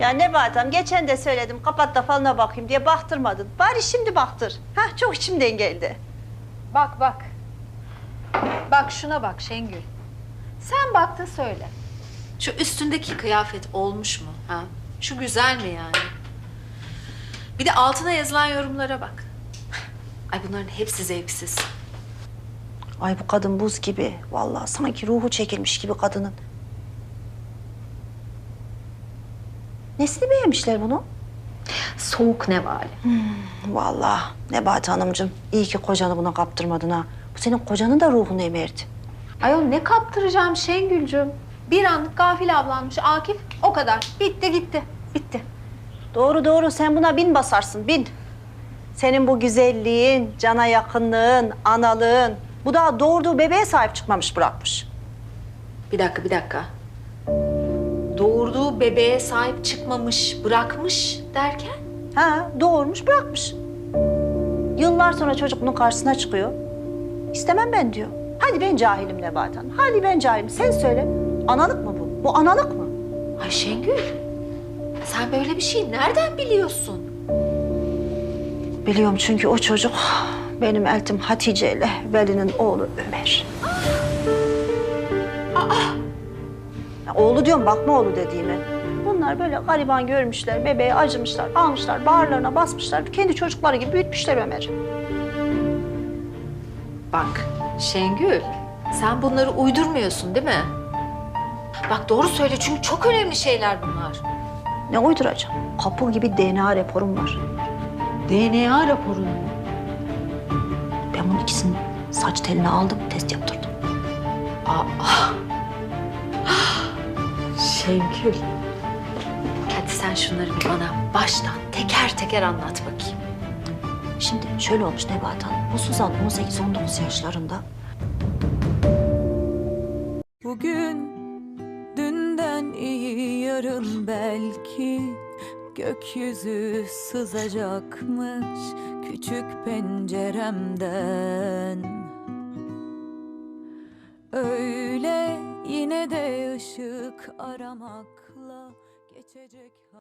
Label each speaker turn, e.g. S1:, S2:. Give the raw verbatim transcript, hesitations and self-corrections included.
S1: Ya Nebahat Hanım, geçen de söyledim kapat da falına bakayım diye baktırmadın. Bari şimdi baktır. Hah, çok içimden geldi.
S2: Bak bak. Bak şuna bak Şengül. Sen baktın söyle.
S3: Şu üstündeki kıyafet olmuş mu? Ha? Şu güzel mi yani? Bir de altına yazılan yorumlara bak. Ay bunların hepsi zevksiz.
S1: Ay bu kadın buz gibi. Vallahi sanki ruhu çekilmiş gibi kadının. Nesini beğenmişler bunu?
S3: Soğuk nevale.
S1: Vallahi Nebahat Hanımcığım, iyi ki kocanı buna kaptırmadın ha. Bu senin kocanın da ruhunu emerdi.
S2: Ayol ne kaptıracağım Şengülcüm? Bir anlık gafil avlanmış Akif, o kadar. Bitti gitti, bitti.
S1: Doğru doğru, sen buna bin basarsın, bin. Senin bu güzelliğin, cana yakınlığın, analığın... Bu daha doğurduğu bebeğe sahip çıkmamış bırakmış.
S3: Bir dakika, bir dakika. Doğurduğu bebeğe sahip çıkmamış, bırakmış derken?
S1: Ha, doğurmuş bırakmış. Yıllar sonra çocuk bunun karşısına çıkıyor. İstemem ben diyor. Hadi ben cahilim Nebahat Hanım, hadi ben cahilim. Sen söyle, analık mı bu? Bu analık mı?
S3: Ay Şengül, sen böyle bir şey nereden biliyorsun?
S1: Biliyorum çünkü o çocuk benim eltim Hatice ile Veli'nin oğlu Ömer. Aa! Ya oğlu diyorum, bakma oğlu dediğime. Bunlar böyle gariban görmüşler, bebeğe acımışlar, almışlar, bağırlarına basmışlar. Kendi çocukları gibi büyütmüşler Ömer'i.
S3: Bak Şengül, sen bunları uydurmuyorsun değil mi? Bak doğru söyle çünkü çok önemli şeyler bunlar.
S1: Ne uyduracağım? Kapı gibi D N A raporum var.
S3: D N A raporu mu?
S1: Ben bunun ikisini saç teline aldım, test yaptırdım.
S3: Aa. Şengül. Hadi sen şunları bir bana baştan teker teker anlat bakayım.
S1: Şimdi şöyle olmuş Nebahat Hanım. Bu Suzan on sekiz on dokuz yaşlarında.
S4: Bugün dünden iyi yarın belki gökyüzü sızacakmış küçük penceremden. Öyle yine de ışık aramakla geçecek.